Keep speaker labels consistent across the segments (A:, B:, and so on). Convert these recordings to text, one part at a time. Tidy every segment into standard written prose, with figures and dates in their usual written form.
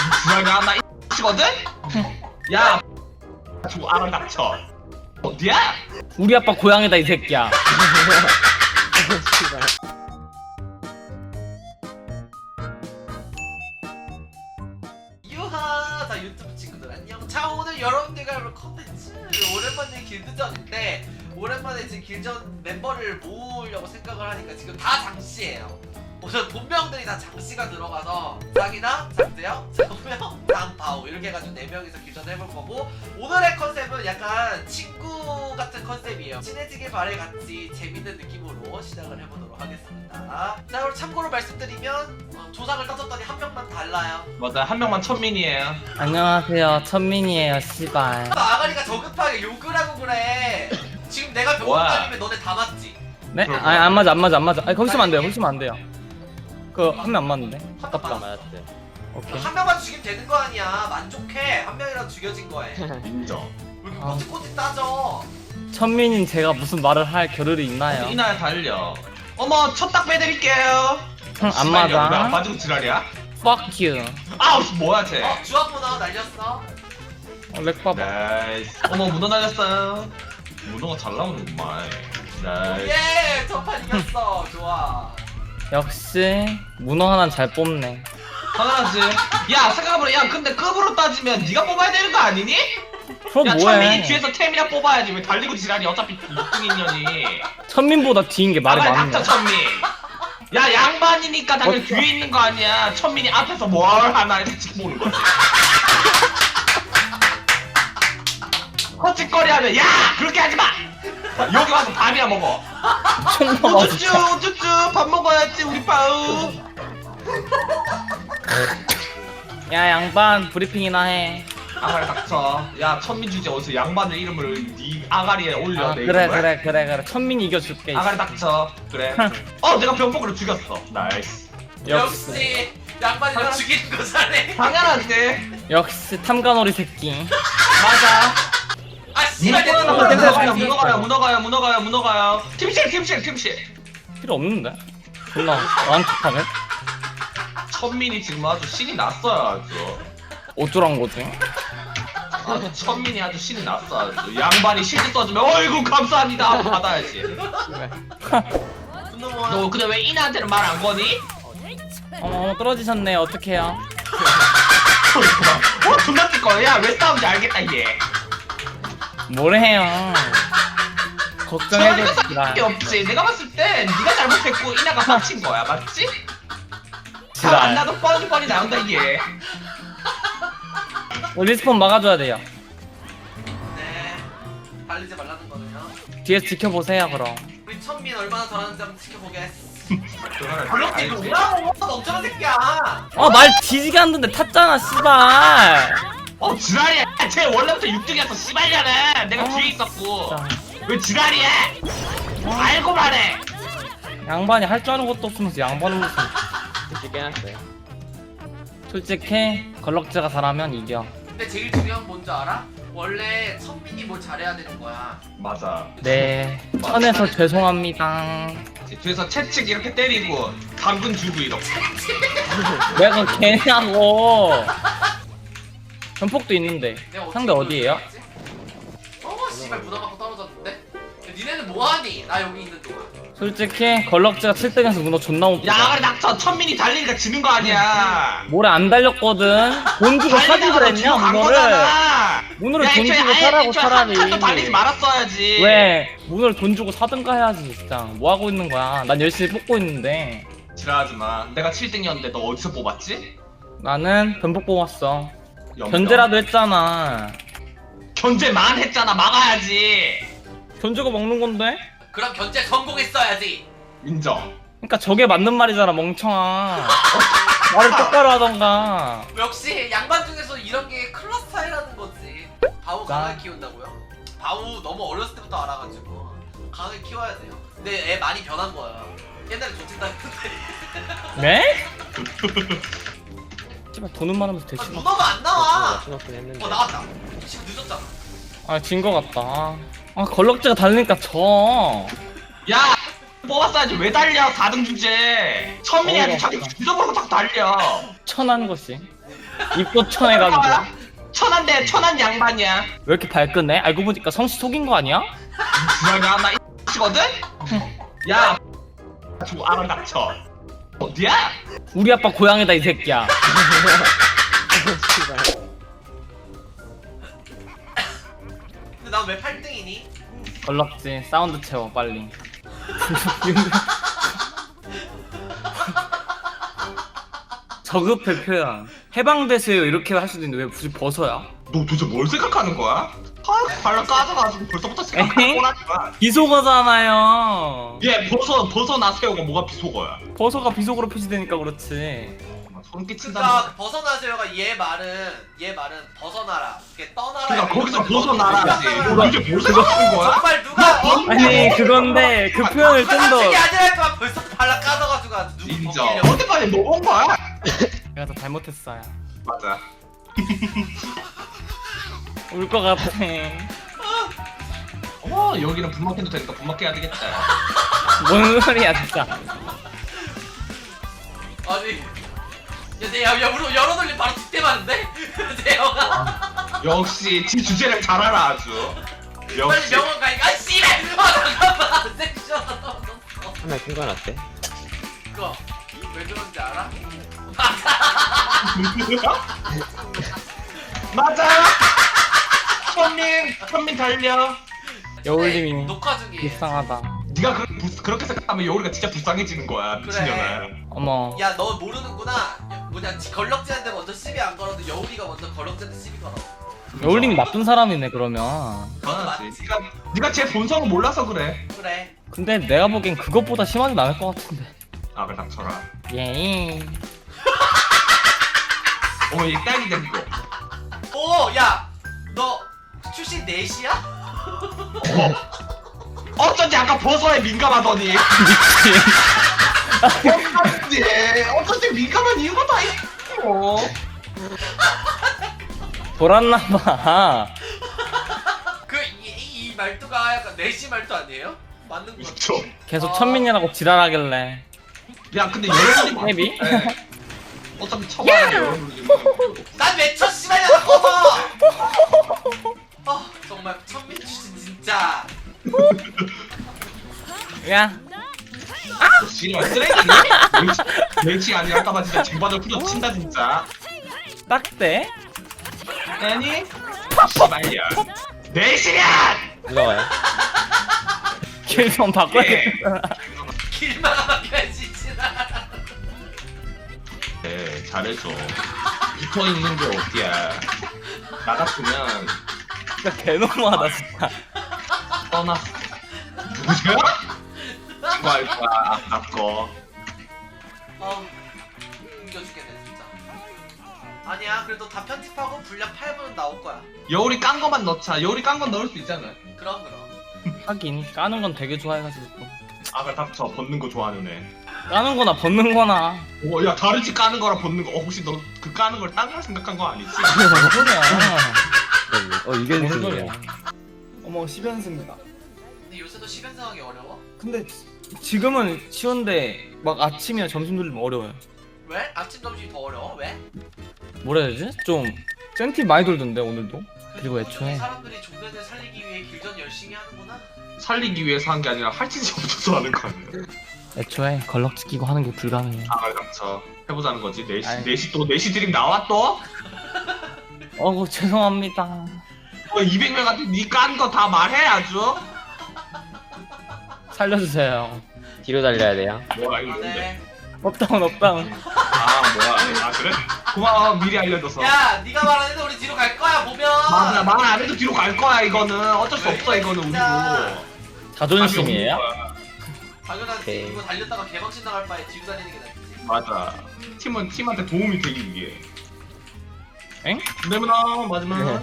A: 주말이야 나 X거든? 야 좀 알아 닥쳐. 어디야?
B: 우리 아빠 고향이다 이 새끼야.
C: 유하! 자 유튜브 친구들 안녕. 자 오늘 여러분들과 해볼 컨텐츠 오랜만에 길드전인데 오랜만에 지금 길드전 멤버를 모으려고 생각을 하니까 지금 다 장씨예요. 우선 본명들이 다 장씨가 들어가서 짱이나 장재영, 장우영, 장바오 이렇게 해가지고 4명이서 길드전 해볼 거고 오늘의 컨셉은 약간 친구 같은 컨셉이에요. 친해지길 바래 같이 재밌는 느낌으로 시작을 해보도록 하겠습니다. 자 그럼 참고로 말씀드리면 조상을 따졌더니 한 명만 달라요.
A: 맞아 한 명만 천민이에요.
B: 안녕하세요 천민이에요 씨발.
C: 아가리가 저급하게 욕을 하고 그래. 지금 내가 병원
A: 와.
C: 다니면 너네 다 맞지?
B: 네?
A: 그럼.
B: 아니 안 맞아 안 맞아 안 맞아. 아니 거기 있으면 안 돼요. 거기 있으면 안 돼요. 그 한 명 안 맞는데.
C: 아깝다.
D: 맞았대.
B: 오케이.
C: 한 명만 죽이면 되는 거 아니야. 만족해. 한 명이라도 죽여진 거에. 왜
A: 인정.
C: 이렇게
B: 아.
C: 꼬치꼬치 따져?
B: 천민인 제가 무슨 말을 할 겨를이 있나요?
A: 이날 달려. 어머 첫 딱 빼드릴게요.
B: 안
A: 씨발이야, 왜안
B: 맞아.
A: 빠지고 지랄이야?
B: Fuck you.
A: 아우 뭐야 쟤.
C: 주황 문어 날렸어.
B: 렉 봐봐.
A: 나이스. 어머 문어 날렸어요. 문어가 잘 나오는구만. 나이스.
C: 예! 첫판 이겼어. 좋아.
B: 역시 문어 하나는 잘 뽑네.
A: 당연하지. 야 생각해보라. 야 근데 급으로 따지면 네가 뽑아야 되는 거 아니니?
B: 그럼
A: 야 천민이
B: 뭐해?
A: 뒤에서 템이나 뽑아야지. 왜 달리고 지랄이 어차피 6등인년이.
B: 천민보다 뒤인 게 말이
A: 아말
B: 많네.
A: 닥쳐 천민. 야 양반이니까 당연히
B: 어쩌-
A: 뒤에 있는 거 아니야. 천민이 앞에서 뭘 하나 이렇게 지켜보는 거지. 헛짓거리 하면 야 그렇게 하지 마. 여기 와서 밥이나 먹어.
B: 총나
A: 우쭈쭈
B: 맞았다.
A: 우쭈쭈 밥 먹어야지 우리 빠우.
B: 야 양반 브리핑이나 해.
A: 아가리 닥쳐. 야 천민 주제 어디서 양반의 이름을 네 아가리에 올려.
B: 아,
A: 내
B: 그래
A: 이름을.
B: 그래 그래 그래. 천민이 이겨줄게.
A: 아가리 닥쳐. 그래. 내가 병폭으로 죽였어. 나이스.
C: 역시 양반이랑 죽이는 거 잘해.
A: 당연하지.
B: 역시 탐관오리 새끼.
A: 맞아.
C: 아 씨발 내
A: 문어가요. 팀실.
B: 필요 없는데? 존나 완벽하네.
A: 천민이 지금 아주 신이 났어요 아주.
B: 어쩌란 거지?
A: 아주 천민이 아주 신이 났어 아주. 양반이 실드 써주면 어이구 감사합니다 받아야지.
C: 분노모아.
A: 너 근데 왜 이나한테는 말 안 거니?
B: 어머 떨어지셨네. 어떡해요?
A: 존나 뛸 거야. 야왜 싸움인지 알겠다 얘.
B: 뭘 해요?
A: 내가
B: 걱정해줘
A: 잘못한 게 없지. 내가 봤을 땐 네가 잘못했고 이나가 빡친 거야 맞지?
B: 지랄.
A: 안 나도 뻔히 나온다 이게.
B: 리스폰 막아줘야 돼요.
C: 네. 달리지 말라는 거네요.
B: 뒤에서 지켜보세요 그럼.
C: 우리 천민 얼마나 잘하는지 한번 지켜보게.
A: 블록이
C: 이거 뭐라고? 멍청한 새끼야.
B: 말 뒤지게 하는데 탔잖아 씨발.
A: 지랄이야. 쟤 원래부터 6등이었어 씨발년은. 내가 뒤에 있었고.
B: 진짜.
A: 왜 지랄이야? 알고 말해.
B: 양반이 할 줄 아는 것도 없으면서 양반을 무슨.
D: 쉽게 해놨어요.
B: 솔직히 걸럭즈가 잘하면 이겨.
C: 근데 제일 중요한 건 뭔지 알아? 원래 천민이 뭘 잘해야 되는 거야.
A: 맞아.
B: 네 천에서 죄송합니다.
A: 뒤에서 채찍 이렇게 때리고 당근 주고 이렇게.
B: 내가 걔냐고. 전폭도 있는데
C: 내가
B: 상대
C: 어떻게
B: 어디에요?
C: 보여줬지? 씨발 문어 갖고 떨어졌는데? 야, 니네는 뭐하니? 나 여기 있는 동안.
B: 솔직히 걸럭즈가 7등에서 문어 존나 못
A: 야
B: 뽑아.
A: 아가리 낙쳐. 천민이 달리니까 지는 거 아니야.
B: 모래 안 달렸거든. 돈 주고 사지
A: 달리다가
B: 그랬냐
A: 지고 간
B: 문어를.
A: 거잖아.
B: 문어를
A: 야,
B: 돈
A: 애초에
B: 주고
A: 아예
B: 사라고
A: 애초에
B: 차라리.
A: 한 칸도 달리지 말았어야지.
B: 왜 문어를 돈 주고 사든가 해야지 진짜. 뭐 하고 있는 거야. 난 열심히 뽑고 있는데.
A: 지랄하지 마. 내가 7등이었는데 너 어디서 뽑았지?
B: 나는 변복 뽑았어.
A: 영점.
B: 견제라도 했잖아.
A: 견제만 했잖아. 막아야지.
B: 돈 주고 먹는 건데?
C: 그럼 견제 성공했어야지.
A: 인정.
B: 그러니까 저게 맞는 말이잖아 멍청아. 말을 똑바로 하던가.
C: 역시 양반 중에서 이런 게 클러스 차이라는 거지. 바우
B: 나-
C: 강하게 키운다고요? 바우 너무 어렸을 때부터 알아가지고 강하게 키워야 돼요. 근데 애 많이 변한 거야. 옛날에 좋친다 했는데.
B: 네? 씨발 돈은 많으면서
C: 아,
B: 대충.
C: 문어가 안 나와.
D: 맞춰놓긴 했는데.
C: 나왔다. 지금 늦었잖아.
B: 진 거 같다. 걸럭즈가 달리니까 져.
A: 야 뽑았어야지. 왜 달려 4등 주제. 천민이 아주 자기
B: 맞다.
A: 주저보고 자꾸 달려.
B: 천한 것이. 입도 천해가지고.
A: 천한데 천한 양반이야.
B: 왜 이렇게 발끈해? 알고 보니까 성씨 속인 거 아니야?
A: 지랄가 나 이거든? 야, 저 알아 닥쳐. 어디야?
B: 우리 아빠 고향이다 이 새끼야.
C: 근데 난 왜 8등이니?
B: 걸럭지 사운드 채워 빨리. 저급해 표현. 해방되세요 이렇게 할 수도 있는데 왜 굳이 벗어야?
A: 너 도대체 뭘 생각하는 거야? 아, 발로 까져가지고 벌써부터 생각하고 나지 마.
B: 비속어잖아요.
A: 얘 벗어나세요가 뭐가 비속어야?
B: 벗어가 비속어로 표시되니까 그렇지.
A: 소름 끼친다.
C: 그러니까 벗어나세요가 얘 말은 벗어나라. 이게 떠나라.
A: 그러니까
C: 이런
A: 거기서
C: 거잖아.
A: 벗어나라지.
C: 벗어나라.
A: 너 이제 뭘 생각하는 거야?
C: 정말 누가
B: 아니 그건데 그 표현을 좀 더
C: 게 아니랄까 벌써 발라 까져가지고 아주 누구
A: 인정.
C: 벗기려고.
A: 어디까지 너온 거야?
B: 내가 더 잘못했어요.
A: 맞아.
B: 울 것 같아.
A: 여기는 분막해도 되니까 분막해야 되겠다.
B: 뭔 소리야 진짜.
C: 아니 야 우리 열어돌림 바로 뒷대 맞는데? 대형아
A: 역시 지 주제를 잘 알아 아주.
C: 빨리
A: 역시.
C: 병원 가니까 아 씨발! 잠깐만 섹션
D: 하나 큰건 어때?
C: 그거 왜 그런지 알아?
A: 맞아. 천민 달려.
B: 여울님이
C: 녹화 중이에요.
B: 불쌍하다.
A: 네가 그렇게 생각하면 여우리가 진짜 불쌍해지는 거야 미친년아.
B: 어머.
C: 야 너 모르는구나. 뭐냐 걸럭지한테 먼저 시비 안 걸어도 여우리가 먼저 걸럭지한테 시비 걸어.
B: 여울님이 나쁜 사람이네 그러면.
A: 맞지. 네가 제 본성을 몰라서 그래.
C: 그래.
B: 근데 내가 보기엔 그것보다 심하진 않을 것 같은데.
A: 아 그래 닥쳐라.
B: 예.
A: 어머 얘 딸기 된 거.
C: 오 야 너 출신 넷이야?
A: 어쩐지 아까 버섯에 민감하더니. 어쩐지 민감한 이유가 다 있어.
B: 돌았나봐.
C: 이 말투가 약간 넷이 말투 아니에요? 맞는 거 같아.
A: 그쵸.
B: 계속 천민이라고 지랄하길래.
A: 야 근데 여러분이
B: 헤비?
A: 어차피 쳐봐야 돼 여러분이.
C: 난왜 첫 시간이야 나 꺼져! 정말 천민 출신 진짜.
B: 야.
A: 씨발 쓰레기니? 멸치 아니야 아까봐 진짜 쟁반을 풀어 친다 진짜.
B: 딱대?
A: 아니? 씨발이야. 4시간!
D: 올라와요.
B: 길 좀 바꿔야겠다.
C: 길만 막혀야지 지나.
A: 네 잘해줘. 붙어있는 게 어디야. 나 같으면
B: 진짜 개너무하다 진짜.
A: 떠났어. 누구세요? 그거 할 거야 아까.
C: 웃겨 죽겠네 진짜. 아니야 그래도 다 편집하고 분량 8분은 나올 거야.
A: 여울이 깐 거만 넣자. 여울이 깐 건 넣을 수 있잖아.
C: 그럼.
B: 하긴 까는 건 되게 좋아해가지고 또.
A: 아 그래 닥쳐. 벗는 거 좋아하는 애.
B: 까는 거나 벗는 거나.
A: 야 다르지 까는 거랑 벗는 거. 혹시 너 그 까는 걸 딴 걸 생각한 거 아니지?
B: 뭔 소리야.
D: 이게
B: 뭔
D: 무슨
B: 소리야.
D: 소리야?
B: 어머 10연승입니다.
C: 근데 요새도 시변상하기 어려워?
B: 근데 지금은 쉬운데 막 아침이나 점심 돌리면 어려워요.
C: 왜? 아침 점심이 더 어려워? 왜?
B: 뭐라 해야 되지? 좀 센티 많이 돌던데 오늘도. 그리고 애초에
C: 사람들이 종교를 살리기 위해 길전 열심히 하는구나.
A: 살리기 위해서 한 게 아니라 할 짓이 없어서 하는 거 아니야?
B: 애초에 걸럭지 끼고 하는 게 불가능해.
A: 아 그래 닥쳐. 해보자는 거지. 4시
B: 아이.
A: 4시 또 4시 드림 나와 또?
B: 어구 죄송합니다.
A: 200명한테 니 깐 거 다 말해 아주?
B: 살려주세요.
D: 뒤로 달려야 돼요.
A: 뭐야 이거 뭔데?
C: 네.
B: 업다운 업다운.
A: 아 뭐야? 아 그래? 고마워 미리 알려줘서.
C: 야, 네가 말하는데 우리 뒤로 갈 거야 보면.
A: 맞아 말 안 해도 뒤로 갈 거야 이거는 어쩔 수 없어 이거는
C: 진짜.
A: 우리도.
B: 자존심이에요?
C: 당연하지.
D: 오케이.
C: 이거 달렸다가 개박신 나갈 바에 뒤로 다니는 게 낫지.
A: 맞아. 팀한테 도움이 되기 위해.
B: 엥?
A: 내문아 마지막.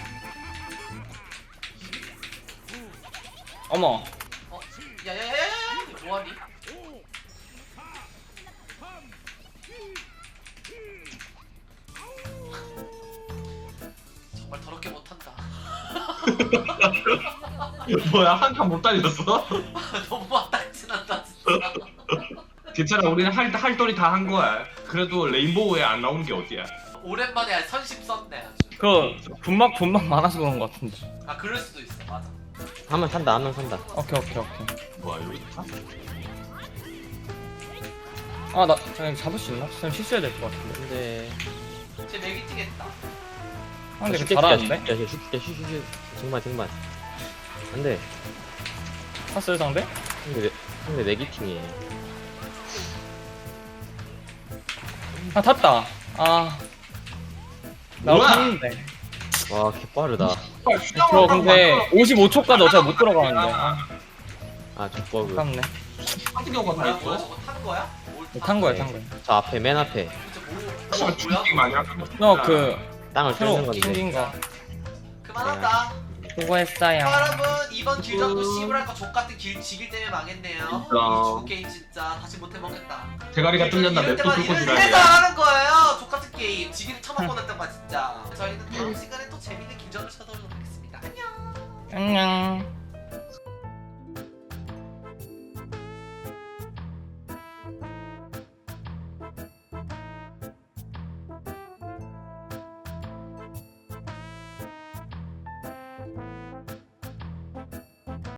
B: 어머.
C: 야야야야야, 뭐하니? 정말 더럽게 못한다.
A: 뭐야 한 칸 못 달렸어?
C: 너무 왔다지난다 진짜.
A: 괜찮아 우리는 할 돌이 다 한 거야. 그래도 레인보우에 안 나오는 게 어디야?
C: 오랜만에 선심 썼네 아주.
B: 그 분막 많아서 그런 거 같은데.
C: 아 그럴 수도 있어 맞아.
D: 한 명 산다, 한 명 산다.
B: 오케이.
A: 뭐야 여기 있다?
B: 아 나 그냥 잡을 수 있나? 그냥 실수해야 될 것 같은데.
D: 근데.
C: 쟤 맥이 뛰겠다.
B: 아 근데 그 잘하는데?
D: 슈. 정말. 안 돼.
B: 탔어요 상대?
D: 근데 내기팅이에.
B: 아 탔다. 아. 나
A: 뭐야?
B: 탔는데.
D: 와, 개 빠르다.
B: 저 근데 55초까지 어차피 못 들어가는데. 아
D: 족버그.
B: 아깝네.
A: 같은 경우가 다
C: 뭐야
A: 있어.
C: 뭐야 저거 탄 거야? 뭘
B: 탄 거야.
D: 저 앞에, 맨 앞에.
C: 진짜 뭐야?
A: 죽기 마냥.
B: 너 그
D: 땅을 뚫는
B: 새로
D: 건데.
B: 생긴 거
C: 그만하다.
B: 수고했어요.
C: 여러분 이번 길전도 씨부랄 거 족같은 지길 때문에 망했네요. 이 중국 게임 진짜 다시 못 해먹겠다.
A: 대가리가 뚫렸나
C: 이럴
A: 맵도
C: 때만
A: 뚫고
C: 이래서
A: 지랄이야.
C: 하는 거예요. 족같은 게임 지기를 처먹고 났단 말 진짜. 저희는 다음 시간에 또 재밌는 길전을 찾아오도록 하겠습니다. 안녕.
B: 안녕.